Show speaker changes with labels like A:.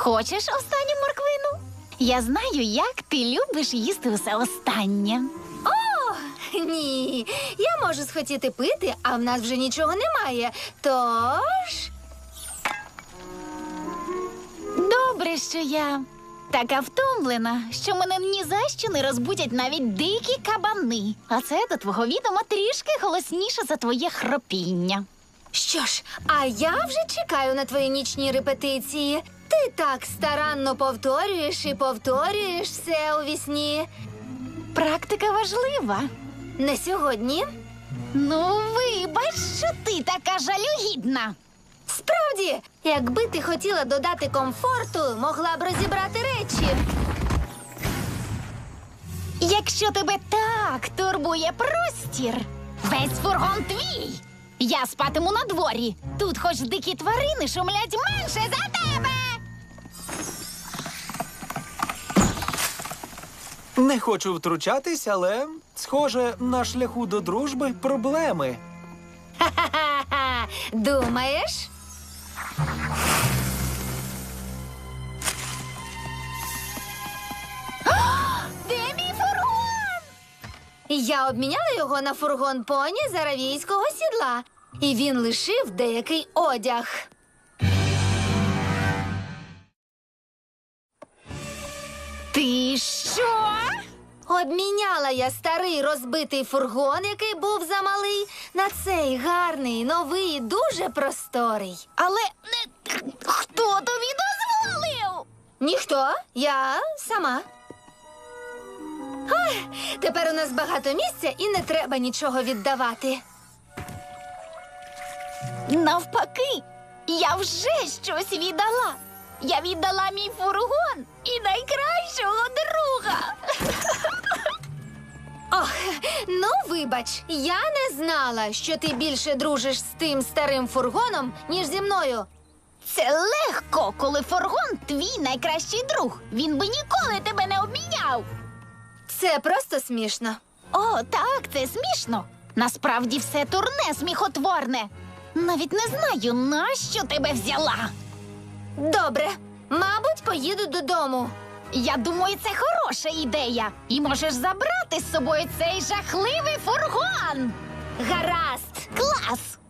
A: Хочеш останню морквину? Я знаю, як ти любиш їсти усе останнє.
B: Ні, я можу схотіти пити, а в нас вже нічого немає. Тож...
A: Добре, що я така втомлена, що мене ні за що не розбудять навіть дикі кабани. А це, до твого відома, трішки голосніше за твоє хропіння.
B: Що ж, а я вже чекаю на твої нічні репетиції. Ти так старанно повторюєш і повторюєш все у вісні.
A: Практика важлива.
B: Не сьогодні.
A: Ну, вибач, що ти така жалюгідна.
B: Справді, якби ти хотіла додати комфорту, могла б розібрати речі.
A: Якщо тебе так турбує простір, весь фургон твій. Я спатиму на дворі. Тут хоч дикі тварини шумлять менше за тебе.
C: Не хочу втручатись, але, схоже, на шляху до дружби проблеми.
B: Ха-ха-ха! Думаєш?
A: Де мій фургон?
B: Я обміняла його на фургон поні з аравійського сідла. І він лишив деякий одяг.
A: Ти що?
B: Обміняла я старий розбитий фургон, який був замалий, на цей гарний, новий, дуже просторий.
A: Але хто тобі дозволив?
B: Ніхто, я сама. Ой, тепер у нас багато місця і не треба нічого віддавати.
A: Навпаки, я вже щось віддала. Я віддала мій фургон і найкращого друга.
B: Ох, ну вибач, я не знала, що ти більше дружиш з тим старим фургоном, ніж зі мною.
A: Це легко, коли фургон твій найкращий друг. Він би ніколи тебе не обміняв.
B: Це просто смішно.
A: О, так, це смішно. Насправді все турне сміхотворне. Навіть не знаю, нащо тебе взяла.
B: Добре, мабуть, поїду додому.
A: Я думаю, це хороша ідея. І можеш забрати з собою цей жахливий фургон.
B: Гаразд.
A: Клас!